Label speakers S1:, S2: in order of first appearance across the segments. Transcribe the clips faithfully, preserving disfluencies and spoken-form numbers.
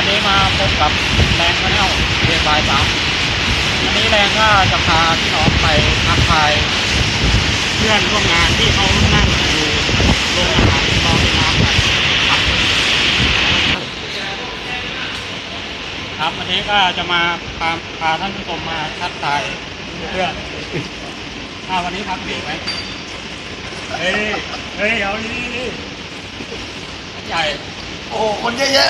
S1: วันนี้มาพบกับแรงชาแนลเรียนบายสามวันนี้แรงก็จะพาพี่น้องไปทักทายเพื่อนร่วมงานที่เขานั่งอยู่โรงอาหารรอกินน้ำกันครับครับวันนี้ก็จะมาพาพาท่านผู้ชมมาทักทายเพื่อนถ้าวันนี้พักเบรกไหมเฮ้ยเฮ้ยเอาดีดีใหญ่
S2: โอ้คนเยอะแยะ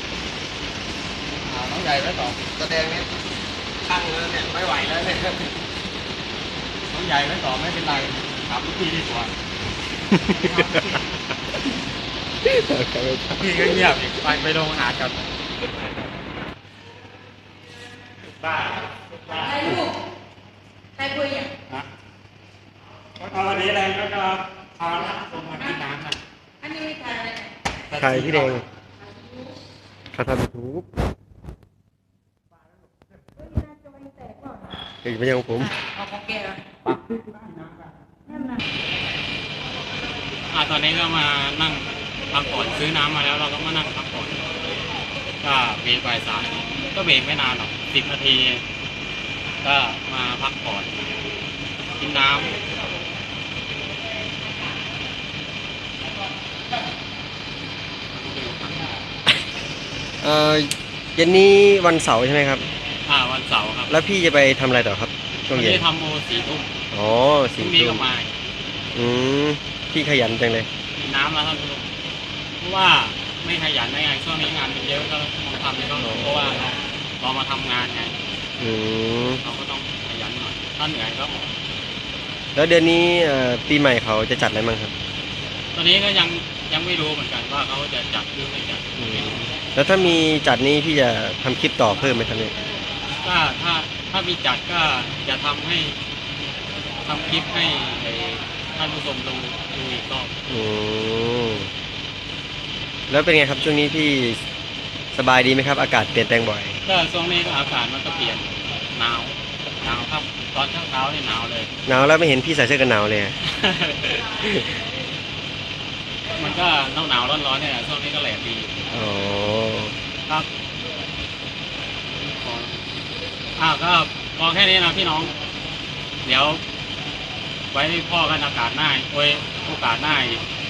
S1: น้องใหญ่ไว้ต่อ
S2: แสดงเนี่ยตั้งแล้วเนี่ยไม่ไหวแล้วเนี่ย
S1: น้องใหญ่ไว้ต่อไม่เป็นไรถามพี่ดีกว่าพี่ก็เงียบอีกไปไปลงอาหารกันบ้า
S3: ใครลูกใครคุยอ่ะ
S1: ฮะวันนี้แรงก็จะพาลงมากินน้ำกัน
S3: อันนี้ถ่ายอะไร
S2: ถ่ายพี่แดงเขาทำยูทูบเก่งไปยังผม
S3: เอาของแกนั่นน่ะ
S1: อ่าตอนนี้ก็มานั่งพักผ่อนซื้อน้ำมาแล้วเราก็มานั่งพักผ่อนก็เบรกไปสายก็เบรกไม่นานหรอกสิบนาทีก็มาพักผ่อนกินน้ำ
S2: เอ่อเย็นนี้วันเสาร์ใช่ไหมครับ
S1: อ่าวันเสาร์ครับ
S2: แล้วพี่จะไปทำอะไรต่อครับช่วงเย็น
S1: ทำโมสี่ทุ่ม
S2: อ๋อสี่
S1: ทุ่มมา
S2: อืมพี่ขยันจังเลย
S1: น้ำแล้วท่านผู้ชมเพราะว่าไม่ขยันได้ไงช่วงนี้งานมันเยอะก็ต้องทำไม่ต้องเพราะว่าเราเรามาทำงานไง
S2: อืม
S1: เราก็ต้องขยันหน่อยถ้าเหนื่อยก็ออก
S2: แล้วเดือนนี้ปีใหม่เขาจะจัดอะไรบ้างครับ
S1: ตอนนี้ก็ยังยังไม่รู้เหมือนกันว่าเขาจะจัดหรือไม่จัด
S2: แล้วถ้ามีจัดนี้พี่จะทำคลิปต่อเพิ่มไหมครับเนี่ย
S1: ก็ถ้าถ้ามีจัดก็จะทำให้ทำคลิปให้ท่านผู้ชมดูดูอีกรอบ
S2: อืมแล้วเป็นไงครับช่วงนี้พี่สบายดีไหมครับอากาศเปลี่ยนแปลงบ่อย
S1: ก็ช่วงนี้ก็อากาศมันก็เปลี่ยนหนาวหนาวครับตอนเช้าเช้านี่หนาวเลย
S2: หนาวแล้วไม่เห็นพี่ใส่เสื้อกันหนาวเลย
S1: มันก็หนาวหนาวร้อนร้อนเนี่ยช่วงนี้ก็แหลกดี
S2: อ๋อ
S1: ครับอ้าวก็พอแค่นี้นะพี่น้องเดี๋ยวไว้พ่อกันอากาศหน้าโอ้ยโอกาสหน้าอีก